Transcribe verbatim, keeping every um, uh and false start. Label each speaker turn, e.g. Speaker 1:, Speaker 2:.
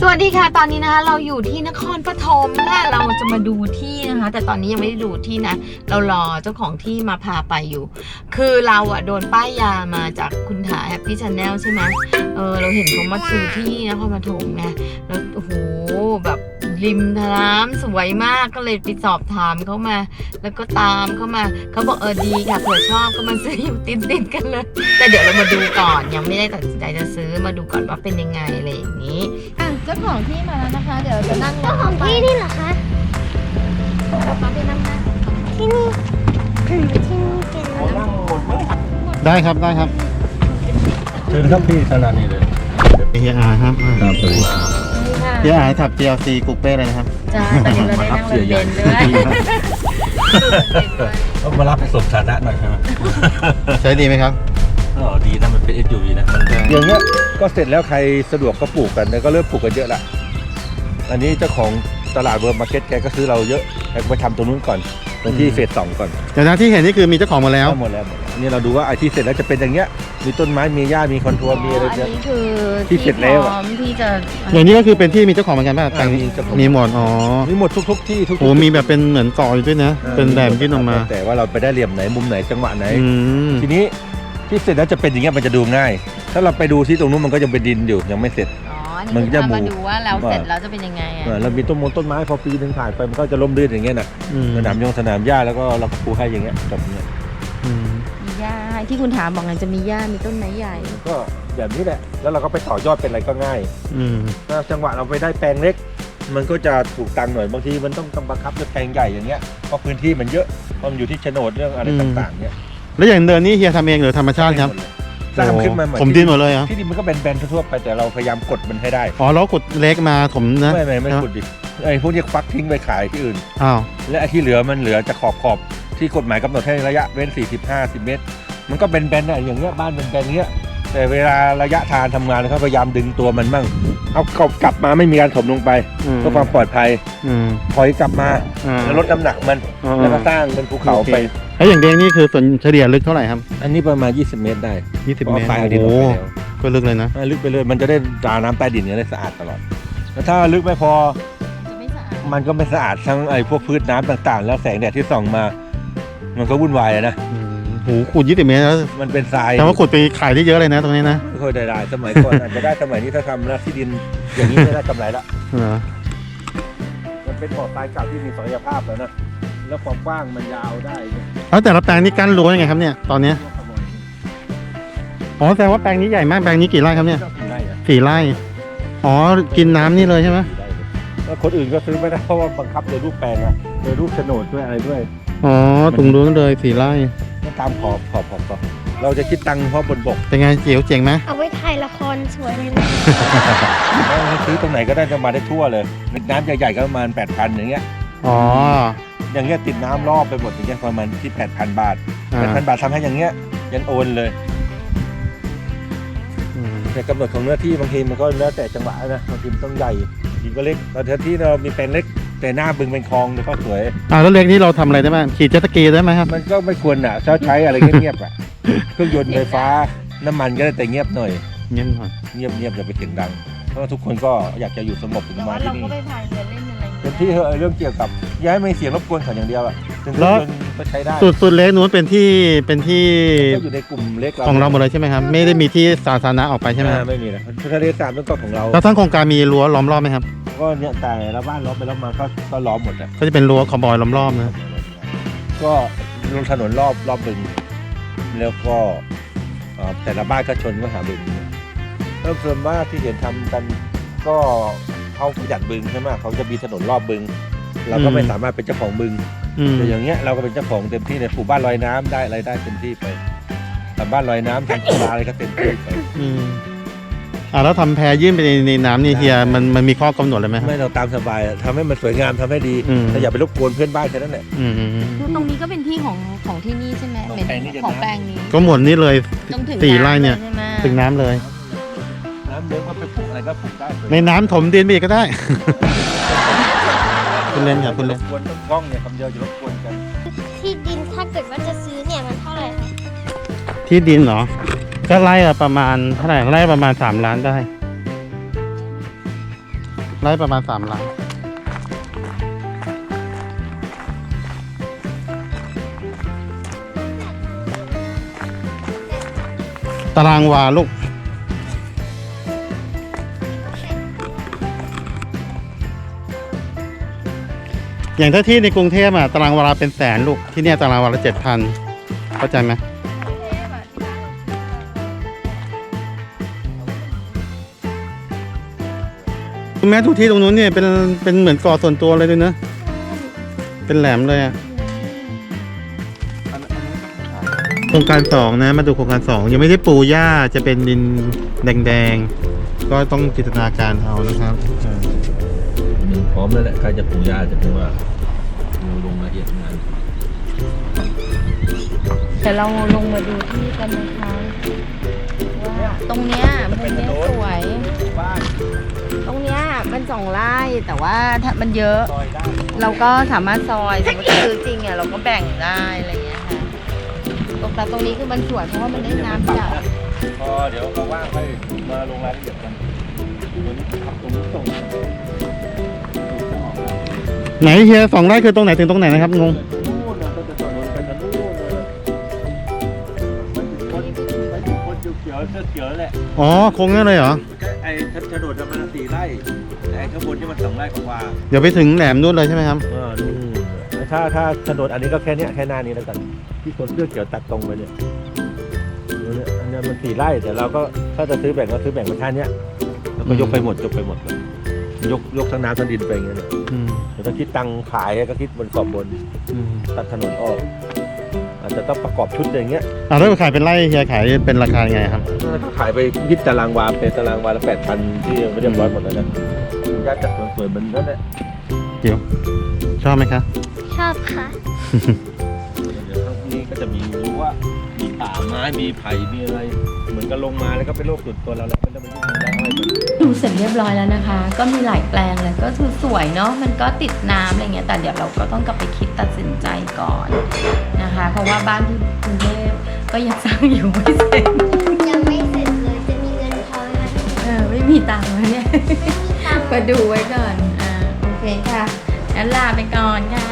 Speaker 1: สวัสดีค่ะตอนนี้นะคะเราอยู่ที่นครปฐมค่ะเราจะมาดูที่นะคะแต่ตอนนี้ยังไม่ได้ดูที่นะเรารอเจ้าของที่มาพาไปอยู่คือเราอะโดนป้ายยามาจากคุณถาแฮปปี้ชาแนลใช่ไหมเออเราเห็นเขามาซื้อที่นครปฐมไงแล้วโอ้โหแบบริมน้ำสวยมากก็เลยไปสอบถามเขามาแล้วก็ตามเขามาเขาบอกเออดีค่ะเผื่อชอบก็มาซื้ออยู่ติดติดกันเลยแต่เดี๋ยวเรามาดูก่อนยังไม่ได้ตัดสินใจจะซื้อมาดูก่อนว่าเป็นยังไงอะไรอย่างนี้อ่ะเจ้าของที่มาแล้วนะคะเดี๋ยวจะนั่ง
Speaker 2: เจ้าของที่นี่เหรอคะ
Speaker 1: มาไปนั่งนะ
Speaker 2: ที่นี่ที่นี่เป็นอะไร
Speaker 3: ได้ครับได้ครับ
Speaker 4: เชิญครับพี่ธนานีเลย
Speaker 3: เฮียอาครับ
Speaker 4: ครับสวัสดีครับ
Speaker 1: นี่ค่ะ
Speaker 3: เฮียอาถับ จี แอล ซี กุ๊กเป้เลยนะครับ
Speaker 1: จ้าตอนนี้เราได้นั่งรถเบนซ์ด้วย
Speaker 4: ต้องมารับไปส่งฐานะหน่อยใช่ไหม
Speaker 3: ใช้ดีไหมครับ
Speaker 4: อ๋อดีนะมันเป็น เอส ยู วี นะมันอย่างเงี้ยก็เสร็จแล้วใครสะดวกก็ปลูกกันแล้วก็เริ่มปลูกกันเยอะละอันนี้เจ้าของตลาดเวิร์มมาร์เก็ตแกก็ซื้อเราเยอะแกไปทำตรงนู้นก่อนตรงที่เฟสสองก่อน
Speaker 3: เดี๋ยวนะที่เห็นนี่คือมีเจ้าของหมดแล้ว
Speaker 4: หมดแล้วหมดแล้วนี่เราดูว่าไอ้ที่เสร็จแล้วจะเป็นอย่างเงี้ยมีต้นไม้มีหญ้ามีคอนทัวร์มีอะไร
Speaker 1: อัน
Speaker 4: เยอะ
Speaker 1: นี้คือ
Speaker 4: ที่เสร็จแล้วอะ
Speaker 1: พร้อมที่จะ
Speaker 3: อย่างนี้ก็คือเป็นที่มีเจ้าของเหมือนกันป่ะแต่ง
Speaker 4: มีเจ้าของ
Speaker 3: มีหมดอ๋อ
Speaker 4: มีหมดทุกๆที่ทุกๆ
Speaker 3: โอ้มีแบบเป็นเหมือนก่ออยู่ด้วยนะ
Speaker 4: อ่า
Speaker 3: เป็นแหลมยื่นออกมา
Speaker 4: แต่ว่าเราไปได้เหลี่ยมไหนมุมไหนจังหวะไหน
Speaker 3: อืม
Speaker 4: ทีนี้ที่เสร็จแล้วจะเป็นอย่างเงี้ยมันจะดูง่าย ถ้าเราไปดูที่ตรงนู้นมันก็ยังเป็นดินอยู่ยังไม่เสร็จ
Speaker 1: อ๋ออัน
Speaker 4: มัน
Speaker 1: นี้
Speaker 4: จะ
Speaker 1: คือ
Speaker 4: หมู่
Speaker 1: มาดูว่าแล้วเสร็จแล้วจะเป็นยังไงอ่ะ
Speaker 4: เออเรามีต้นมงต้นไม้พอปีหนึงผ่านไปมันก็จะร่มรื่นอย่างเงี้ยนะ
Speaker 3: อืม
Speaker 4: สนามยงสนามหญ้าแล้วก็เราก็ปูให้อย่างเงี้ยจบเงี้ย
Speaker 3: อืม
Speaker 1: มีหญ้าที่คุณถามบอกไงจะมีหญ้ามีต้นไม้ใหญ่
Speaker 4: ก็แบบนี้แหละแล้วเราก็ไปต่อยอดเป็นอะไรก็ง่าย
Speaker 3: อืม
Speaker 4: ถ้าจังหวะเราไปได้แปลงเล็ก มันก็จะถูกตังค์หน่อยบางทีมันต้องกำบังคับด้วยแปลงใหญ่อย่างเงี้ยเพราะพื้นที่มันเยอะเพราะมันอยู่ที่โฉนดเรื่องอะไรต่างๆเงี้ย
Speaker 3: แล้วอย่างเดินนี่เฮียทำเองหรือธรรมชาติครับ
Speaker 4: สร้างขึ้นมาใหม่
Speaker 3: ผมดินหมดเลยเหรอ
Speaker 4: ที่ดินมันก็เป็นแบนๆทั่วๆไปแต่เราพยายามกดมันให้ได้
Speaker 3: อ๋อแล้วขุดเล็กมาถมนะ
Speaker 4: ไม่ไม่ไม่ขุดดิไอ้พวกนี้ฟักทิ้งไปขายที่อื่น
Speaker 3: อ้าว
Speaker 4: และไอ้ที่เหลือมันเหลือจะขอบขอบที่กฎหมายกำหนดให้ระยะเว้นสี่สิบห้าสิบเมตร มันก็เป็นแบนๆนะอย่างเงี้ยบ้านเป็นแบนๆเงี้ยแต่เวลาระยะทางทำงานเขาพยายามดึงตัวมันมั่งเอากลับกลับมาไม่มีการถมลงไป
Speaker 3: อืม
Speaker 4: เพื่อความปลอดภัย
Speaker 3: อืม
Speaker 4: ถอยกลับมา
Speaker 3: อ่า
Speaker 4: แล้วลดน้ำหนักมัน
Speaker 3: อ่า
Speaker 4: แล้วก็สร้างเป็นภูเขา
Speaker 3: โอค
Speaker 4: ไป
Speaker 3: แล้วอย่างเดงนี่คือส่วนเฉลี่ยลึกเท่าไหร่ครับ
Speaker 4: อันนี้ประมาณยี่สิบเมตรได้
Speaker 3: ยี่สิบ
Speaker 4: เพราะ
Speaker 3: เมตร
Speaker 4: ทรายเอาดิน
Speaker 3: โอ้
Speaker 4: ออก
Speaker 3: โห
Speaker 4: ไปแล้ว
Speaker 3: ก็ลึกเลยนะ
Speaker 4: อ่าลึกไปเลยมันจะได้ตาน้ำใต้ดินเนี่ยได้สะอาดตลอดแล้วถ้าลึกไม่พอ
Speaker 1: จะไม่สะอาด
Speaker 4: มันก็ไม่สะอาดทั้งไอ้พวกพืชน้ำต่างๆ แล้วแสงแดดที่ส่องมา มันก็วุ่นวายอะนะ
Speaker 3: อืมโหขุดยี่สิบเมตรแล้ว
Speaker 4: มันเป็นทราย
Speaker 3: แต่ว่าขุดไปขายได้เยอะเลยนะตรงนี้นะ
Speaker 4: ไม่ค่อยได้ได้สมัยก่อน อาจจะได้สมัยนี้ถ้าทำนะที่ดินอย่างนี้ไม่ได้กำไรละ
Speaker 3: เหรอ
Speaker 4: มันเป็นบ่อทรายเก่าที่มีศักยภาพแล้วนะแล้วความกว้างมันยาวได้เนี่ย
Speaker 3: แล้วแต่ละแปลงนี่กั้นรั้วยังไงครับเนี่ยตอนเนี้ยอ๋อแสดงว่าแปลงนี้ใหญ่มากแปลงนี้กี่ไร่ครับเนี่ย
Speaker 4: ก็กินได้อะ
Speaker 3: สี่ไร่อ๋อกินน้ำนี่เลยใช่ไหม
Speaker 4: ได้เลยแล้วคนอื่นก็ซื้อไม่ได้เพราะว่าบังคับโดยรูปแปลงอะโดยรูปโฉนดด้วยอะไรด้วย
Speaker 3: อ๋อตรงนู้นเลยสี่ไร่
Speaker 4: ก็ตามขอบขอบขอบขอบเราจะคิดตังค์เพราะบนบก
Speaker 3: เป็นไงเจ๋วเจ๋งไหม
Speaker 2: เอาไว้ถ่ายละครสวยเลยนะ
Speaker 4: แล้วซื้อตรงไหนก็ได้จะมาได้ทั่วเลยน้ำใหญ่ๆก็ประมาณแปดพันอย่างเงี้ย
Speaker 3: อ๋อ
Speaker 4: อย่างเงี้ยติดน้ำรอบไปหมดอย่างเงี้ยประมาณที่แปดพันบาท
Speaker 3: อ่า
Speaker 4: แปดพันบาททำให้อย่างเงี้ยยันโอนเลย
Speaker 3: อืม
Speaker 4: แต่กำหนดของเนื้อที่บางทีมันก็แล้วแต่จังหวะนะบางทีมันต้องใหญ่บางทีก็เล็กบางทีเรามีแปลงเล็กแต่หน้าบึงเป็นคลองเลยก็สวย
Speaker 3: อ่าแล้วเล็กนี่เราทำอะไรได้บ้างขี่เจ็ตสกีได้ไหมครับ
Speaker 4: มันก็ไม่ควรอ่ะใช้ใช้อะไรเงียบๆอ่ะเครื่องยนต์ไฟฟ้าน้ำมันก็ได้แต่เงียบหน่อย
Speaker 3: เงียบหน่อย
Speaker 4: เงียบเงียบอย่าไปเสียงดังเพราะว่าทุกคนก็อยากจะอยู่สงบถึง
Speaker 1: แต่
Speaker 4: มา
Speaker 1: ว่า
Speaker 4: ที่
Speaker 1: เรา
Speaker 4: นี่
Speaker 1: ก็ไปพายเรือเล่นอะไรอย่าง
Speaker 4: เต็
Speaker 1: เงี้ย
Speaker 4: มที่เถอะเรื่องเกี่ยวกับย้ายไม่เสียงรบกวนเขาอย่างเดียวอ่ะถึงเครื่องยนต์ก็ใช้ได้
Speaker 3: สุดสุดเล็กนู้นเป็นที่เป็นที่
Speaker 4: ก็อยู่ในกลุ่มเล็ก
Speaker 3: ของเราหมดเลยใช่ไหมครับไม่ได้มีที่สาธารณะออกไปใช่ไหมค
Speaker 4: อ่า
Speaker 3: รับ
Speaker 4: ไม่มีนะทะเลสาบนั่นก็ของเรา
Speaker 3: แล้วทั้งโครงการมีรั้วล้อมรอบไหมครับ
Speaker 4: ก็เนี่ยแต่ละบ้านล้อมไปล้อมมาก็ก็ล้อมหมดอ่ะ
Speaker 3: ก็จะเป็นรั้วคอมบอยล้อมรอบนะ
Speaker 4: ก็ลงถนนรอบรอบบึงแล้วก็เอ่อแต่ละบ้านก็ชนก็หาบึงแล้วส่วนมากที่เห็นทำกันก็เขาจัดบึงใช่ไหมเขาจะมีถนนรอบบึง เราก็ไม่สามารถเป็นเจ้าของบึง
Speaker 3: อืม
Speaker 4: แต่อย่างเงี้ยเราก็เป็นเจ้าของเต็มที่ในปลูกบ้านลอยน้ำได้อะไรได้เต็มที่ไปทำบ้านลอยน้ำทำกีฬาอะไรก็เต็มที่ไป
Speaker 3: อืมอ่าแล้วทำแพยื่นไปในในน้ำนี่เฮียมันมันมีข้อกำหนดอะไรไหมครับ
Speaker 4: ไม่เราตามสบายอะทำให้มันสวยงามทำให้ดี
Speaker 3: อืม
Speaker 4: แต่อย่าไปรบกวนเพื่อนบ้านแค่นั้นแหละ
Speaker 3: อืม
Speaker 1: คือตรงนี้ก็เป็นที่ของของที่นี่ใช่ไหม
Speaker 4: ของ
Speaker 1: เป็น
Speaker 4: แปลงนี้จะ
Speaker 1: ของ
Speaker 4: น้ำ
Speaker 1: แปลงนี้
Speaker 3: ก็หมดนี่เลย
Speaker 1: จนถึง
Speaker 3: สี่ไร่เนี่ย
Speaker 1: ำลใช่ไหม
Speaker 3: ถึงน้ำเลย
Speaker 4: น้ำเลี้ยงก็ไปปลูกอะไรก็ปลูกได้
Speaker 3: ในน้ำถมดินไปอีกก็ได้ คุณเล่นครับคุณ
Speaker 4: ร
Speaker 3: เล่น
Speaker 4: บกวนต้นกล้องเนี่ยคำเดียวจะรบกวนกัน
Speaker 2: ที่ดินถ้าเกิดว่าจะซื้อเนี่ยมันเท่าไหร่คะ
Speaker 3: ที่ดินเหรอก็ไร่ละประมาณเท่าไหร่ไร่ประมาณสามล้านได้ไร่ประมาณสามไร่ตารางวาลูก อย่างถ้าที่ในกรุงเทพอะตารางวาเป็นแสนลูก ที่เนี่ยตารางวาละเจ็ดพันเข้าใจไหมคุณแม่ทุกที่ตรงนู้นเนี่ยเป็นเป็นเหมือนเกาะส่วนตัวเลยด้วยเนอะเป็นแหลมเลยอะโครงการสองนะมาดูโครงการสองยังไม่ได้ปูหญ้าจะเป็นดินแดงๆก็ต้องจินตนาการเอานะครับ
Speaker 4: พร้อมแล้วแหละใครจะปลูกหญ้าจะเป็นว่าดูลงละเอียดงาน
Speaker 1: แต่เราลงมาดูที่กันนะคะว่าตรงเนี้ยมุมเนี้ยสวย
Speaker 4: บ้าน
Speaker 1: ตรงเนี้ยมันสองไร่แต่ว่าถ้ามันเยอะ
Speaker 4: ซอยได้
Speaker 1: เราก็สามารถซอยสมมติซื้อจริงอ่ะเราก็แบ่งได้อะไรอย่างเงี้ยค่ะตรงแต่ตรงนี้คือมันสวยเพราะว่ามันได้น้ำจาก
Speaker 4: พอเดี๋ยวเขาว่างค่อยมาลงรายละเอียดกันตัวนี้ทำตรงนี้ตรง
Speaker 3: ไหนเฮียสองไร่คือตรงไหนถึงตรงไหนนะครับงง
Speaker 4: นู่นนะก็จะถนนไปทางนู่นเลยไปถึงคนไปถึงคนเขียวๆเสื้อเขียวแหละ
Speaker 3: อ๋อโค้งนั่นเลยเหรอ
Speaker 4: ไอ้ถนนมันสี่ไร่ไอ้ข้างบนนี่มันสองไร่กว่า
Speaker 3: เดี๋ยวไปถึงแหลมนู่นเลยใช่ไหมครับ
Speaker 4: เออนู่นถ้าถ้าถนนอันนี้ก็แค่เนี้ยแค่หน้านี้แล้วกันที่คนเสื้อเขียวตัดตรงไปเนี่ยดูเนี่ยอันนี้มันสี่ไร่แต่เราก็ถ้าจะซื้อแบ่งก็ซื้อแบ่งมาแค่เนี้ยแล้วก็ยกไปหมดยกไปหมดเลยยกยกทั้งน้ำทั้งดินไปอย่างเงี้ยเนี่ย
Speaker 3: อืม
Speaker 4: แต่ถ้าคิดตังค์ขายก็คิดบนขอบบน
Speaker 3: อืม
Speaker 4: ตัดถนนออกอาจจะต้องประกอบชุดอย่างเงี้ย
Speaker 3: อ่าแล้วขายเป็นไร่เฮียขายเป็นราคายังไงครับ
Speaker 4: ถ้าขายไปยิดตารางวาเป็นตารางวาละแปดพันที่ยังไม่เรียบร้อยหมดแล้วนะญาติจัดสวยๆมันนั่นแหละ
Speaker 3: เดี๋ยวชอบไหมคะ
Speaker 2: ชอบค่ะ
Speaker 4: เดี๋ยวข้างนี้ก็จะมีรู้ว่ามีป่าไม้มีไผ่มีอะไร เหมือนกับลงมาแล้วก็เป็นโรคส่วนตัวเราแล้วไม่ต้องไปยุ่งกับอะไรมัน
Speaker 1: ดูเสร็จเรียบร้อยแล้วนะคะ ก็มีหลายแปลงเลยก็คือสวยเนาะมันก็ติดน้ำอะไรเงี้ยแต่เดี๋ยวเราก็ต้องกลับไปคิดตัดสินใจก่อนนะคะ เพราะว่าบ้านที่กรุงเทพก็ยังสร้างอยู่ไม่เสร็จ
Speaker 2: ยังไม่เสร็จเลยจะมีเงินพอไหมคะ
Speaker 1: เออไม่มีตังค์แล้วเนี่ย
Speaker 2: ไม่มีตังค์
Speaker 1: มาดูไว้ก่อนอ่าโอเคค่ะงั้นลาไปก่อนค่ะ